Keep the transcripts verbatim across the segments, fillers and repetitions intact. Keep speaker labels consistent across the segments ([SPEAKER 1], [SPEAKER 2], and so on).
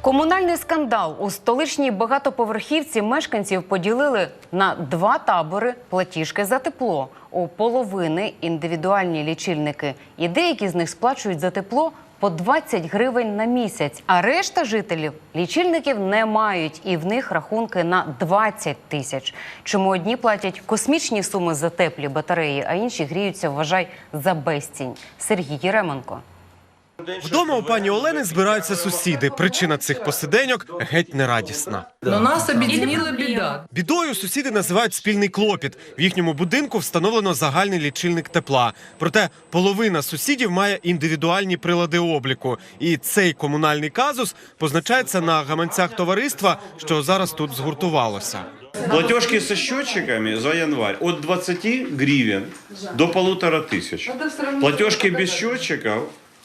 [SPEAKER 1] Комунальний скандал. У столичній багатоповерхівці мешканців поділили на два табори платіжки за тепло. У половини індивідуальні лічильники. І деякі з них сплачують за тепло по двадцять гривень на місяць. А решта жителів лічильників не мають. І в них рахунки на двадцять тисяч. Чому одні платять космічні суми за теплі батареї, а інші гріються, вважай, за безцінь. Сергій Єременко.
[SPEAKER 2] Вдома у пані Олени збираються сусіди. Причина цих посиденьок геть нерадісна.
[SPEAKER 3] Но нас об'єднала біда.
[SPEAKER 2] Бідою сусіди називають спільний клопіт. В їхньому будинку встановлено загальний лічильник тепла. Проте половина сусідів має індивідуальні прилади обліку. І цей комунальний казус позначається на гаманцях товариства, що зараз тут згуртувалося.
[SPEAKER 4] Платежки со счетчиками за январь от двадцати гривен до полутора тысяч. Платежки без счетчиков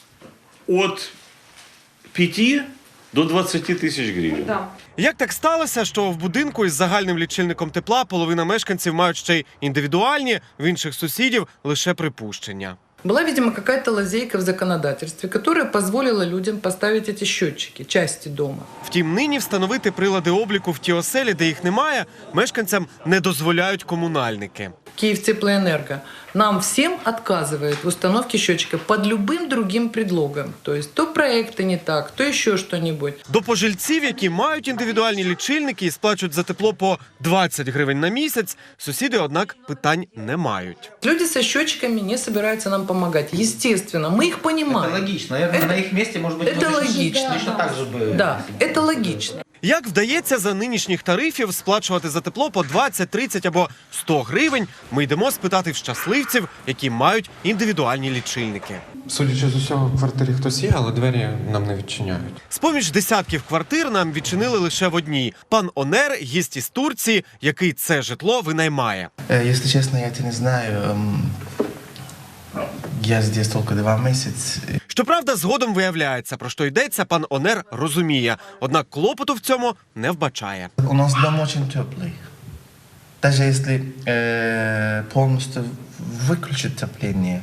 [SPEAKER 4] от пяти до двадцати тисяч гривень.
[SPEAKER 2] Як так сталося, що в будинку із загальним лічильником тепла половина мешканців мають ще й індивідуальні, в інших сусідів лише припущення?
[SPEAKER 3] Была, видимо, какая-то лазейка в законодательстве, которая позволила людям поставить эти счетчики, части дома.
[SPEAKER 2] Втім, нині встановити прилади обліку в ті оселі, де їх немає, мешканцям не дозволяють комунальники.
[SPEAKER 3] Киевтеплоэнерго нам всем отказывает в установке счетчика под любым другим предлогом. То есть то проекты не так, то еще что-нибудь.
[SPEAKER 2] До пожильців, які мають індивідуальні лічильники і сплачують за тепло по двадцять гривень на місяць, сусіди, однак, питань не мають.
[SPEAKER 3] Люди со счетчиками не собираются нам помогать. Естественно, мы их понимаем.
[SPEAKER 5] Это логично. Наверное,
[SPEAKER 3] Это-
[SPEAKER 5] на их месте, может быть,
[SPEAKER 3] это
[SPEAKER 5] мы
[SPEAKER 3] логично.
[SPEAKER 5] точно так же бы...
[SPEAKER 3] Да, это логично.
[SPEAKER 2] Як вдається за нинішніх тарифів сплачувати за тепло по двадцять, тридцять або сто гривень, ми йдемо спитати в щасливців, які мають індивідуальні лічильники.
[SPEAKER 6] Судячи з усього, в квартирі хтось є, але двері нам не відчиняють.
[SPEAKER 2] З-поміж десятків квартир нам відчинили лише в одній. Пан Онер – гість із Турції, який це житло винаймає.
[SPEAKER 7] Если честно, я это не знаю. Эм, Я здесь только два месяца.
[SPEAKER 2] Щоправда, згодом виявляється, про що йдеться, пан Онер розуміє. Однак клопоту в цьому не вбачає.
[SPEAKER 7] У нас дом очень теплый. Даже если э, полностью выключить отопление,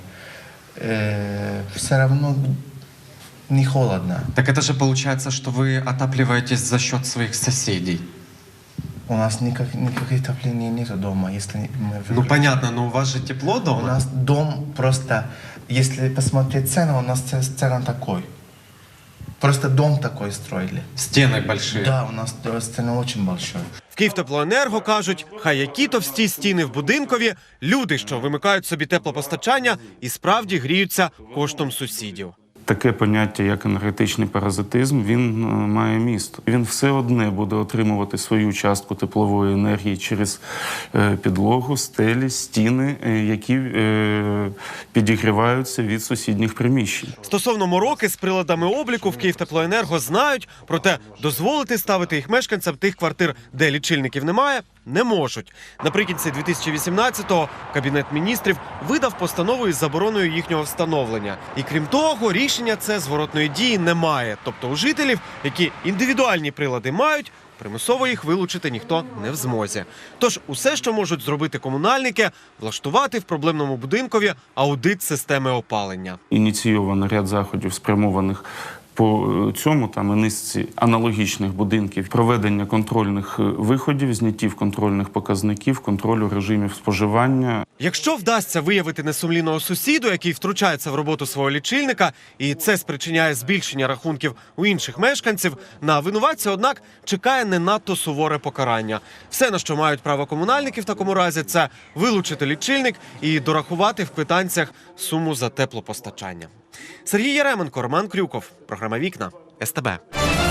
[SPEAKER 7] э, все равно не холодно.
[SPEAKER 6] Так это же получается, что вы отапливаетесь за счет своих соседей.
[SPEAKER 7] У нас никак, никаких отопления нету дома, если мы
[SPEAKER 6] Ну
[SPEAKER 7] выключим.
[SPEAKER 6] понятно, но у вас же тепло
[SPEAKER 7] У
[SPEAKER 6] дома.
[SPEAKER 7] нас дом просто, если посмотреть цену, у нас ц- цена такой. Просто дом такой строили.
[SPEAKER 6] Стены большие.
[SPEAKER 7] Да, у нас цена очень большой.
[SPEAKER 2] В Київтеплоенерго кажуть, хай які товсті стіни в будинкові, люди, що вимикають собі теплопостачання, і справді гріються коштом сусідів.
[SPEAKER 4] Таке поняття, як енергетичний паразитизм, він е, має місто. Він все одне буде отримувати свою частку теплової енергії через е, підлогу, стелі, стіни, е, які е, підігріваються від сусідніх приміщень.
[SPEAKER 2] Стосовно мороки з приладами обліку в Київтеплоенерго знають, проте дозволити ставити їх мешканцям тих квартир, де лічильників немає, не можуть. Наприкінці дві тисячі вісімнадцятого Кабінет міністрів видав постанову із забороною їхнього встановлення. І крім того, рішення це зворотної дії не має. Тобто у жителів, які індивідуальні прилади мають, примусово їх вилучити ніхто не в змозі. Тож усе, що можуть зробити комунальники – влаштувати в проблемному будинкові аудит системи опалення.
[SPEAKER 4] Ініційовано ряд заходів, спрямованих по цьому там і низці аналогічних будинків, проведення контрольних виходів, зняттів контрольних показників, контролю режимів споживання.
[SPEAKER 2] Якщо вдасться виявити несумлінного сусіду, який втручається в роботу свого лічильника, і це спричиняє збільшення рахунків у інших мешканців, на винуватця, однак, чекає не надто суворе покарання. Все, на що мають право комунальники в такому разі, це вилучити лічильник і дорахувати в квитанціях суму за теплопостачання. Сергій Єременко, Роман Крюков. Програма «Вікна». ес те бе.